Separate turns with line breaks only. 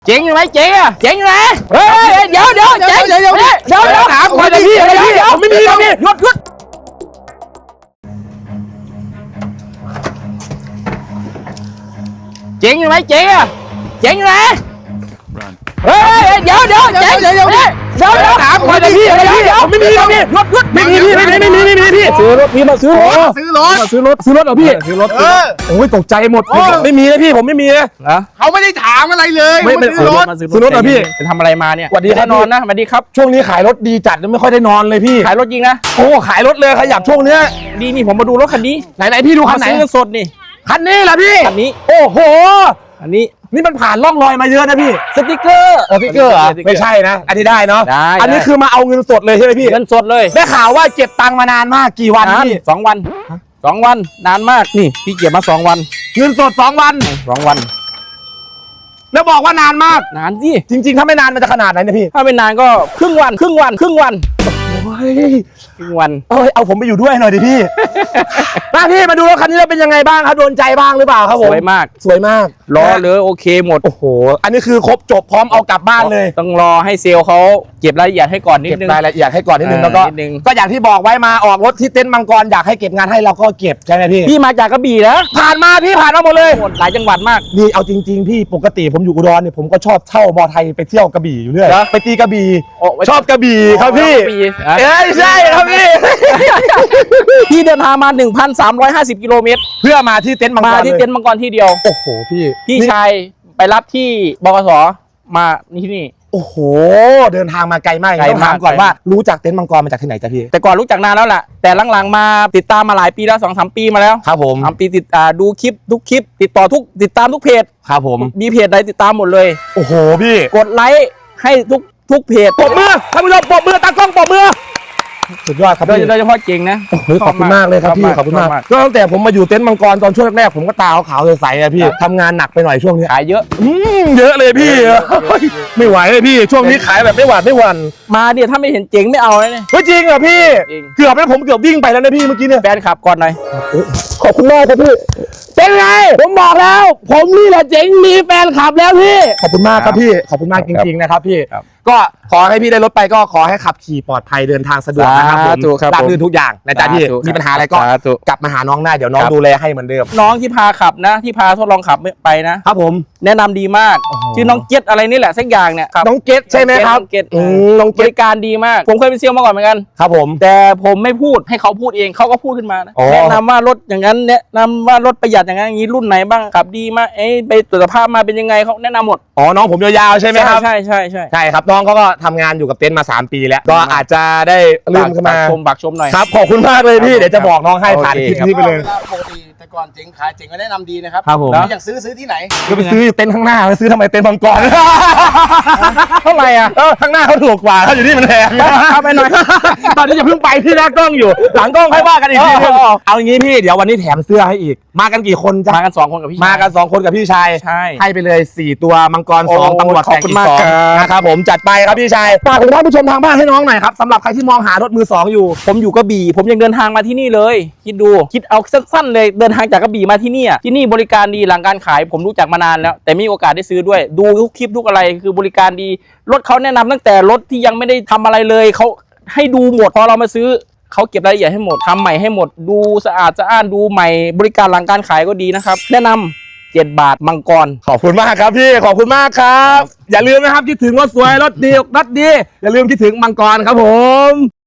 เจ๋งอยู่ไหมเจ๋งอ่ะเจ๋งอยู่ไหมเฮ้ยเดี๋ยวเจ๋งเดี๋ยวถามคนเลยพี่ผมไม่มีแล้วพี่หยุดเจ๋งอยู่ไหมเจ๋งอ่ะเจ๋งอยู่ไหมเฮ้ยเดี๋ยวเจ๋งเดี๋ยวถามคนเลยพี่ผมไม่มีแล้วพี่หยุดไม่มีพี่ซื้อรถพี่มาซื้อรถเหรอพี่ซื้อรถโอ้ยตกใจหมดไม่มีนะพี่ผมไม่มีนะ
เขาไม่ได้ถามอะไรเลย
ไม่ซื้อรถเหรอพี่จะทำอะไรมาเนี่ยสวัสดีครับนอนนะสวัสดีครับช่วงนี้ขายรถดีจัดไม่ค่อยได้นอนเลยพี่ขายรถจริงนะโอ้ขายรถเลยขยับช่วงเนี้ยดีนี่ผมมาดูรถคันนี้ไหนพี่ดูคันไหนซื้อสดนี่คันนี้เหรอพี่คันนี้โอ้โหอันนี้นี่มันผ่านร่องรอยมาเยอะนะพี่สติ๊กเกอร์เหรอไม่ใช่นะอันนี้ได้เนาะอันนี้คือมาเอาเงินสดเลยใช่ไหมพี่เงินสดเลยได้ข่าวว่าเก็บตังค์มานานมากกี่วันพี่2 วันนานมากนี่พี่เก็บมา2 วันเงินสด2 วันแล้วบอกว่านานมากนานสิจริงๆถ้าไม่นานมันจะขนาดไหนเนี่ยพี่ถ้าไม่นานก็ครึ่งวันโอ้ยครึ่งวันเอาผมไปอยู่ด้วยหน่อยดิพี่มาพี่มาดูรถคันนี้แล้วเป็นยังไงบ้างครับโดนใจบ้างหรือเปล่าครับผมสวยมากล้อเลยโอเคหมดโอ้โหอันนี้คือครบจบพร้อมเอากลับบ้านเลยต้องรอให้เซลล์เขาเก็บรายละเอียดให้ก่อนนิดนึงรายละเอียดให้ก่อนนิดนึงแล้วก็อย่างที่บอกไว้มาออกรถที่เต็นท์มังกรอยากให้เก็บงานให้เราก็เก็บใช่ไหมพี่มาจากกระบี่นะผ่านมาหมดเลยหลายจังหวัดมากนี่เอาจริงๆพี่ปกติผมอยู่อุดรเนี่ยผมก็ชอบเช่ามอไทยไปเที่ยวกระบี่อยู่เรื่อยไปตีกระบี่ชอบกระบี่ครับพี่ใช่ครับพี่เดินทางมา 1,350 กิโลเมตรเพื่อมาที่เต็นท์มังกรที่เดียวโอ้โหพี่ชายไปรับที่บกสมาที่นี่โอ้โหเดินทางมาไกลมากต้องถามก่อนว่ารู้จักเต็นท์มังกรมาจากที่ไหนจ๊ะพี่แต่ก่อนรู้จักนานแล้วแหละแต่หลังๆมาติดตามมาหลายปีแล้ว 2-3 ปีมาแล้วครับผมปีดูคลิปทุกคลิปติดตามทุกเพจครับผมมีเพจใดติดตามหมดเลยโอ้โหพี่กดไลค์ให้ทุกเพจปรบมือท่านผู้ชมปรบมือตากล้องปรบมือสุดยอดครับโดยเฉพาะเก่งนะขอบคุณมากเลยครับพี่ขอบคุณมากก็ตั้งแต่ผมมาอยู่เต็นท์มังกรตอนช่วงแรกๆผมก็ตาขาวๆใสๆพี่ทำงานหนักไปหน่อยช่วงนี้ขายเยอะเยอะเลยพี่ไม่ไหวเลยพี่ช่วงนี้ขายแบบไม่หวานมาเนี่ยถ้าไม่เห็นเจ๋งไม่เอาเลยเนี่ยจริงเหรอพี่เกือบแล้วผมเกือบวิ่งไปแล้วนะพี่เมื่อกี้เนี่ยแฟนขับก่อนหน่อยขอบคุณมากครับพี่เป็นไงผมบอกแล้วผมนี่แหละเจ๋งมีแฟนขับแล้วพี่ขอบคุณมากครับพี่ขอบคุณมากจริงๆนะครับพี่ก็ขอให้พี่ได้รถไปก็ขอให้ขับขี่ปลอดภัยเดินทางสะดวกนะครับผมราบรื่นทุกอย่างนะจ๊ะพี่มีปัญหาอะไรก็กลับมาหาน้องได้เดี๋ยวน้องดูแลให้เหมือนเดิมน้องที่พาขับนะที่พาทดลองขับไปนะครับผมแนะนำดีมากชื่อน้องเกตอะไรนี่แหละสักอย่างเนี่ยน้องเกตใช่ไหมครับน้องเกตบริการดีมากผมเคยเป็นเซลล์มาก่อนเหมือนกันครับผมแต่ผมไม่พูดให้เขาพูดเองเขาก็พูดขึ้นมานะแนะนำว่ารถอย่างนั้นแนะนำว่ารถประหยัดอย่างนั้นอย่างนี้รุ่นไหนบ้างขับดีมากไปตรวจสภาพมาเป็นยังไงเขาแนะนำหมดน้องผมยาวๆใช่ไหมครับใช่ครับน้องเขาก็ทำงานอยู่กับเต็นท์มา3 ปีแล้วก็อาจจะได้ลืมขึ้นมาบักชมหน่อยครับขอบคุณมากเลยพี่เดี๋ยวจะบอกน้องให้ผ่านคลิปนี้ไปเลยปกติแต่ก่อนเจ๋งขายเจ๋งก็แนะนำดีนะครับครับผมอยากซื้อที่ไหนก็ไปซื้อเต็นท์ข้างหน้าไปซื้อทำไมเต็นท์มังกรเท่าไหร่อ่ะข้างหน้าเขาถูกกว่าเขาอยู่นี่มันแพงไปหน่อยตอนนี้จะเพิ่งไปที่หน้ากล้องอยู่หลังกล้องค่อยว่ากันอีกทีนึงเอาอย่างนี้พี่เดี๋ยววันนี้แถมเสื้อให้อีกมากันกี่คนมากัน2 คนกับพี่มากัน2 คนกับพี่ชายให้ไปเลย4 ตัวมังกร2ตำรวจแตกอีก2นะครับผมจัดไปครับพี่ชายฝากถึงท่านผู้ชมทางบ้านให้น้องหน่อยครับสำหรับใครที่มองหารถมือ2อยู่ผมอยู่กระบี่ผมยังเดินทางมาที่นี่เลยคิดเอาสั้นๆเลยเดินทางจากกระบี่มาที่นี่บริการดีหลังการขายผมรู้จักมานานแล้วแต่มีโอกาสได้ซื้อด้วยดูทุกคลิปทุกอะไรคือบริการดีรถเขาแนะนำตั้งแต่รถที่ยังไม่ได้ทำอะไรเลยเขาให้ดูหมดพอเรามาซื้อเขาเก็บรายละเอียดให้หมดทำใหม่ให้หมดดูสะอาดดูใหม่บริการหลังการขายก็ดีนะครับแนะนำ7 บาทมังกรขอบคุณมากครับพี่ขอบคุณมากครับอย่าลืมนะครับคิดถึงรถสวยรถดีอย่าลืมคิดถึงมังกรครับผม